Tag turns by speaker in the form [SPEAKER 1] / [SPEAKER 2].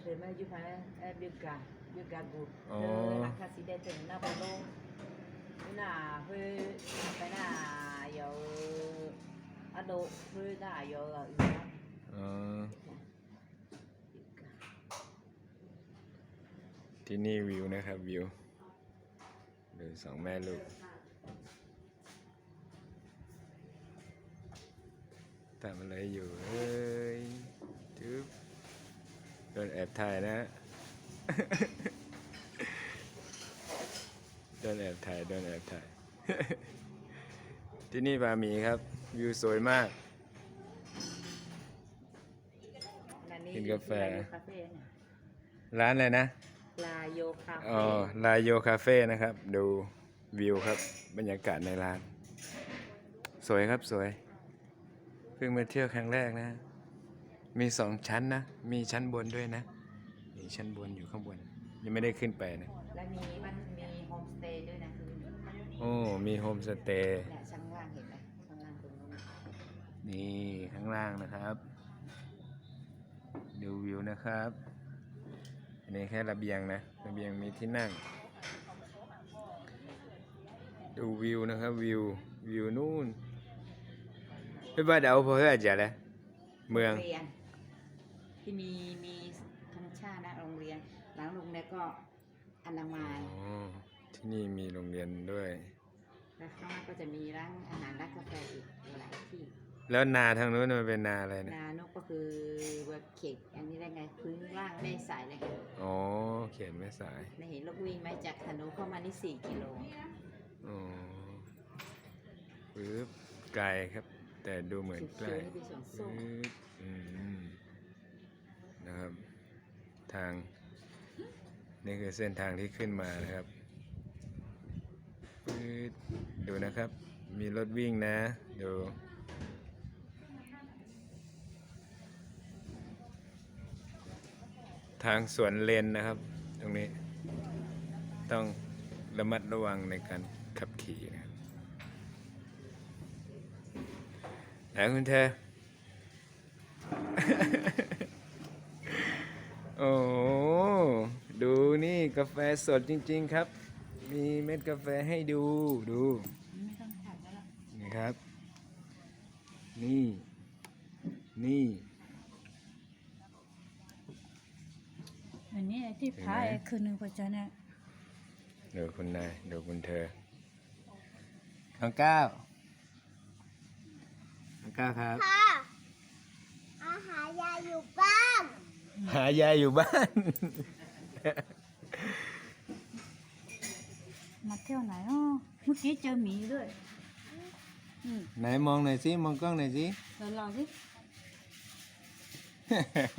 [SPEAKER 1] เคยมาอยู่ภายในบิวกาบูราคาสีแดงถึงหน้าบอลโลกหน้าเพื่อไปหน้าอยู่อันโดเพื่อหน้าอยู่
[SPEAKER 2] ที่นี่วิวนะครับวิวดูสองแม่ลูกทำอะไรอยู่เอ้ยจุ๊บโดนแอบถ่ายนะ โดนแอบถ่ายที่นี่บาหมีครับวิวสวยมากกินกาแฟร้านอะไรนะ
[SPEAKER 1] ลาโยคาเฟ่
[SPEAKER 2] อ๋อลาโยคาเฟ่นะครับดูวิวครับบรรยากาศในร้านสวยครับสวยเพิ่งมาเที่ยวครั้งแรกนะมี2 ชั้นนะมีชั้นบนด้วยนะมีชั้นบนอยู่ข้างบนยังไม่ได้ขึ้นไปนะ
[SPEAKER 1] และมีโฮมสเตย์ด้วยนะ
[SPEAKER 2] โอ้มีโฮมสเตย์
[SPEAKER 1] เนี่ยข้างล่างเห็นไหมข้างล่างตรงนู้น
[SPEAKER 2] นี่ข้างล่างนะครับดูวิวนะครับอันนี้แค่ระเบียงนะระเบียงมีที่นั่งดูวิวนะครับวิวนู่นไม่ว่าเดาพอเท่าจะเลยเมือง
[SPEAKER 1] ที่มีธรรมชาตินะโรงเรียนหลังโรงเรียนก็อนามัย
[SPEAKER 2] ที่นี่มีโรงเรียนด้วย
[SPEAKER 1] แล้วข้างล่างก็จะมีร้านอาหารร้านกาแฟอีกหลายที่
[SPEAKER 2] แล้วนาทางนู้นมันเป็นนาอะไรนะ
[SPEAKER 1] นานกก็คือว่าเขตอันนี้ได้ไงพื้นล่างแม่สายเลย
[SPEAKER 2] อ๋อเขียนแม่สาย
[SPEAKER 1] ในเห็นลูกวิ่งไหมจากถนนเข้ามานี่4 กิโล
[SPEAKER 2] อ๋อปึ๊บไกลครับแต่ดูเหมือนใกล้นะครับทางนี่คือเส้นทางที่ขึ้นมานะครับดูนะครับมีรถวิ่งนะดูทางสวนเลนนะครับตรงนี้ต้องระมัดระวังในการขับขี่นะครับไหนคุณเธอ โอ้ดูนี่กาแฟสดจริงๆครับมีเม็ดกาแฟให้ดูนี่ครับนี่
[SPEAKER 3] อันนี้ที่พายคือหนึ่งปัจจัยเนี่ย
[SPEAKER 2] ดูคุณนายดูคุณเธอน้องก้าวครับ
[SPEAKER 4] หายายอยู่บ้าน
[SPEAKER 2] หายายอยู่บ้าน
[SPEAKER 3] มาเที่ยวไหนอ๋อเมื่อกี้เจอหมีด้วย
[SPEAKER 2] ไหนมองหน่อยสิมองกล้องหน่อยสิ
[SPEAKER 3] ลองสิ